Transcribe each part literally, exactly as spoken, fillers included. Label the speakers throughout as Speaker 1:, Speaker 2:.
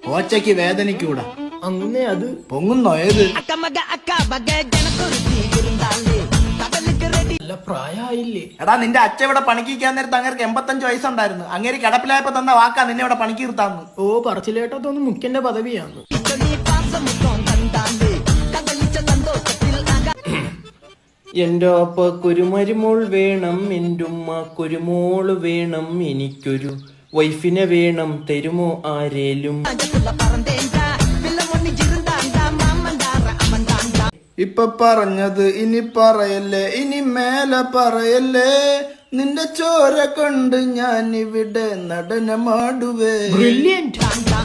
Speaker 1: ഓച്ചയ്ക്ക് വേദനിക്കൂടാ.
Speaker 2: അങ്ങനെ അത്
Speaker 1: പൊങ്ങുന്നോ ഏത്?
Speaker 2: നല്ല പ്രായമായില്ലേ?
Speaker 1: എടാ നിന്റെ അച്ഛൻ ഇവിടെ പണിക്കാൻ നേരത്ത് അങ്ങേർക്ക് എൺപത്തഞ്ച് വയസ്സുണ്ടായിരുന്നു. അങ്ങേര് കിടപ്പിലായപ്പോ തന്ന വാക്കാ നിന്നെ ഇവിടെ പണിക്ക് നിർത്താന്ന്.
Speaker 2: ഓ പറച്ചിലേട്ടത്തൊന്നും മുഖ്യന്റെ പദവിയാണ്. എന്റെ അപ്പക്കൊരു മരുമോൾ വേണം, എന്റെ ഉമ്മക്കൊരു മോള് വേണം, എനിക്കൊരു വൈഫിനെ വേണം, തരുമോ ആരേലും?
Speaker 1: ഇപ്പൊ പറഞ്ഞത് ഇനി പറയല്ലേ, ഇനി മേലെ പറയല്ലേ. നിന്റെ ചോര കൊണ്ട് ഞാൻ ഇവിടെ നടനമാടുവേ.
Speaker 2: ബ്രില്യന്റ്.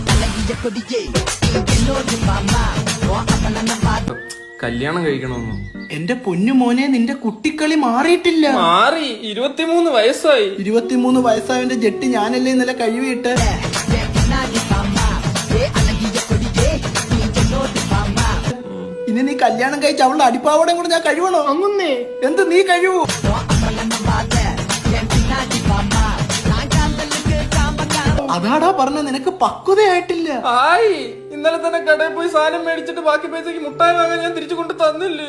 Speaker 3: കല്യാണം കഴിക്കണമെന്നു.
Speaker 1: എന്റെ പൊന്നു മോനെ, നിന്റെ കുട്ടിക്കളി മാറിയിട്ടില്ല.
Speaker 3: മാറി, ഇരുപത്തിമൂന്ന് വയസ്സായി.
Speaker 1: ഇരുപത്തിമൂന്ന് വയസ്സായവന്റെ ജെട്ടി ഞാനല്ലേ ഇന്നലെ കഴിവിട്ട്. ഇനി നീ കല്യാണം കഴിച്ച് അവളുടെ അടിപ്പാവടയും കൂടെ ഞാൻ കഴിവണോ?
Speaker 2: അങ്ങുന്നേ
Speaker 1: എന്ത് നീ കഴിവൂ? അതാടാ പറഞ്ഞ, നിനക്ക് പക്വതയായിട്ടില്ല.
Speaker 3: ആയി, ഇന്നലെ തന്നെ കടയിൽ പോയി സാധനം മേടിച്ചിട്ട് ബാക്കി പൈസക്ക് മുട്ടായി വാങ്ങാൻ ഞാൻ തിരിച്ചു കൊണ്ട് തന്നില്ലേ?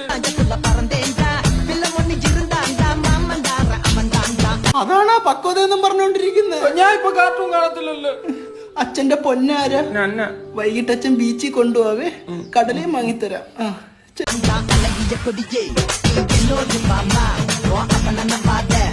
Speaker 1: അതാണാ പക്വത എന്നും പറഞ്ഞോണ്ടിരിക്കുന്നത്.
Speaker 3: ഞാൻ ഇപ്പൊ കാർട്ടൂൺ കാണത്തില്ലല്ലോ.
Speaker 1: അച്ഛന്റെ പൊന്നാര,
Speaker 3: നന്ന.
Speaker 1: വൈകിട്ട് അച്ഛൻ ബീച്ചിൽ കൊണ്ടുപോവേ, കടലയും വാങ്ങിത്തരാം. ആ
Speaker 4: Kodige, kodige, kodige, kodige, kodige, kodige, kodige, kodige,